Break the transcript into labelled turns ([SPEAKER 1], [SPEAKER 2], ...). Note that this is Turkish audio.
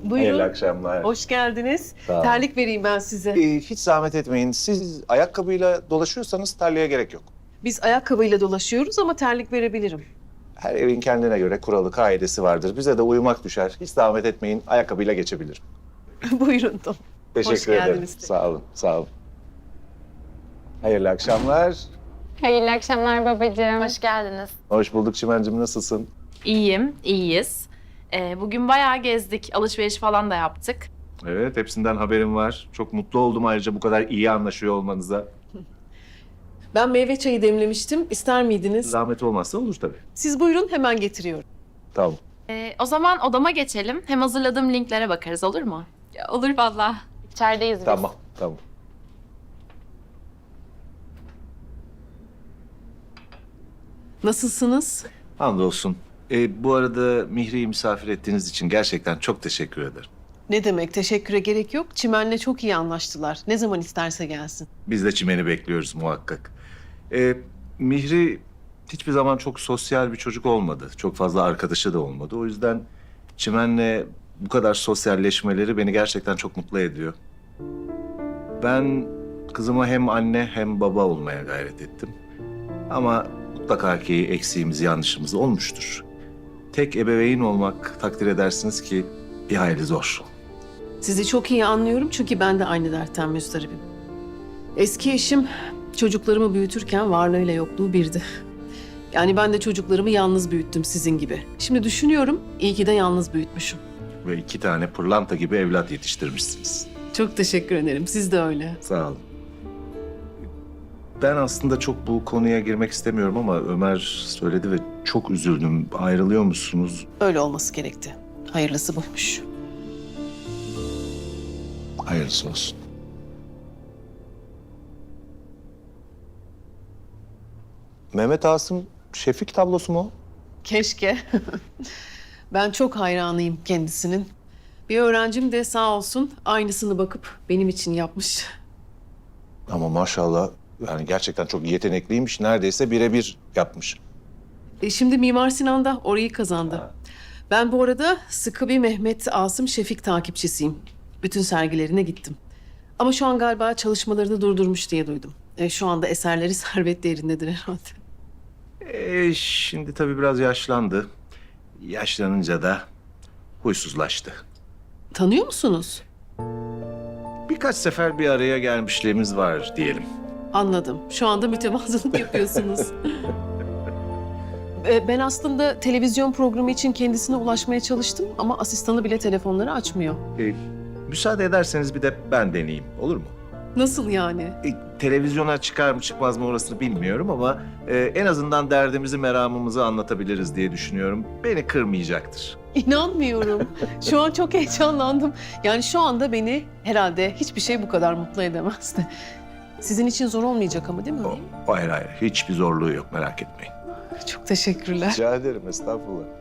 [SPEAKER 1] Hayırlı
[SPEAKER 2] Buyurun.
[SPEAKER 1] akşamlar.
[SPEAKER 2] Hoş geldiniz.
[SPEAKER 1] Sağ olun.
[SPEAKER 2] Terlik vereyim ben size.
[SPEAKER 1] Hiç zahmet etmeyin. Siz ayakkabıyla dolaşıyorsanız terliğe gerek yok.
[SPEAKER 2] Biz ayakkabıyla dolaşıyoruz ama terlik verebilirim.
[SPEAKER 1] Her evin kendine göre kuralı, kaidesi vardır. Bize de uyumak düşer. Hiç zahmet etmeyin. Ayakkabıyla geçebilirim.
[SPEAKER 2] Buyurun.
[SPEAKER 1] Teşekkür ederim.
[SPEAKER 2] geldiniz.
[SPEAKER 1] Sağ olun, sağ olun. Hayırlı akşamlar.
[SPEAKER 3] Hayırlı akşamlar babacığım.
[SPEAKER 4] Hoş geldiniz.
[SPEAKER 1] Hoş bulduk Çimen'cim. Nasılsın?
[SPEAKER 4] İyiyim, iyiyiz. Bugün bayağı gezdik, alışveriş falan da yaptık.
[SPEAKER 1] Evet, hepsinden haberim var. Çok mutlu oldum ayrıca bu kadar iyi anlaşıyor olmanıza.
[SPEAKER 2] Ben meyve çayı demlemiştim. İster miydiniz?
[SPEAKER 1] Zahmet olmazsa olur tabii.
[SPEAKER 2] Siz buyurun, hemen getiriyorum.
[SPEAKER 1] Tamam.
[SPEAKER 4] O zaman odama geçelim. Hem hazırladığım linklere bakarız, olur mu?
[SPEAKER 3] Olur vallahi.
[SPEAKER 4] İçerideyiz biz.
[SPEAKER 1] Tamam, tamam.
[SPEAKER 2] Nasılsınız?
[SPEAKER 1] Hamdolsun. Bu arada Mihri'yi misafir ettiğiniz için gerçekten çok teşekkür ederim.
[SPEAKER 2] Ne demek, teşekküre gerek yok. Çimen'le çok iyi anlaştılar. Ne zaman isterse gelsin.
[SPEAKER 1] Biz de Çimen'i bekliyoruz muhakkak. Mihri hiçbir zaman çok sosyal bir çocuk olmadı. Çok fazla arkadaşı da olmadı. O yüzden Çimen'le bu kadar sosyalleşmeleri beni gerçekten çok mutlu ediyor. Ben kızıma hem anne hem baba olmaya gayret ettim. Ama mutlaka ki eksiğimiz, yanlışımız olmuştur. Tek ebeveyn olmak takdir edersiniz ki bir hayli zor.
[SPEAKER 2] Sizi çok iyi anlıyorum çünkü ben de aynı dertten müzdaribim. Eski eşim çocuklarımı büyütürken varlığıyla yokluğu birdi. Yani ben de çocuklarımı yalnız büyüttüm sizin gibi. Şimdi düşünüyorum, iyi ki de yalnız büyütmüşüm.
[SPEAKER 1] Ve 2 tane pırlanta gibi evlat yetiştirmişsiniz.
[SPEAKER 2] Çok teşekkür ederim. Siz de öyle.
[SPEAKER 1] Sağ olun. Ben aslında çok bu konuya girmek istemiyorum ama Ömer söyledi ve çok üzüldüm. Ayrılıyor musunuz?
[SPEAKER 2] Öyle olması gerekti. Hayırlısı buymuş.
[SPEAKER 1] Hayırlısı olsun. Mehmet Asım Şefik tablosu mu?
[SPEAKER 2] Keşke. Ben çok hayranıyım kendisinin. Bir öğrencim de sağ olsun aynısını bakıp benim için yapmış.
[SPEAKER 1] Ama maşallah yani gerçekten çok yetenekliymiş. Neredeyse birebir yapmış.
[SPEAKER 2] Şimdi Mimar Sinan'da orayı kazandı. Ben bu arada sıkı bir Mehmet Asım Şefik takipçisiyim. Bütün sergilerine gittim. Ama şu an galiba çalışmalarını durdurmuş diye duydum. Şu anda eserleri servet değerindedir herhalde.
[SPEAKER 1] Şimdi tabii biraz yaşlandı. Yaşlanınca da huysuzlaştı.
[SPEAKER 2] Tanıyor musunuz?
[SPEAKER 1] Birkaç sefer bir araya gelmişliğimiz var diyelim.
[SPEAKER 2] Anladım. Şu anda mütevazılık yapıyorsunuz. Ben aslında televizyon programı için kendisine ulaşmaya çalıştım ama asistanı bile telefonları açmıyor.
[SPEAKER 1] Müsaade ederseniz bir de ben deneyeyim, olur mu?
[SPEAKER 2] Nasıl yani?
[SPEAKER 1] Televizyona çıkar mı çıkmaz mı orasını bilmiyorum ama en azından derdimizi, meramımızı anlatabiliriz diye düşünüyorum. Beni kırmayacaktır.
[SPEAKER 2] İnanmıyorum. Şu an çok heyecanlandım. Yani şu anda beni herhalde hiçbir şey bu kadar mutlu edemezdi. Sizin için zor olmayacak ama değil mi?
[SPEAKER 1] Hayır hayır, hiçbir zorluğu yok, merak etmeyin.
[SPEAKER 2] Çok teşekkürler.
[SPEAKER 1] Rica ederim, estağfurullah.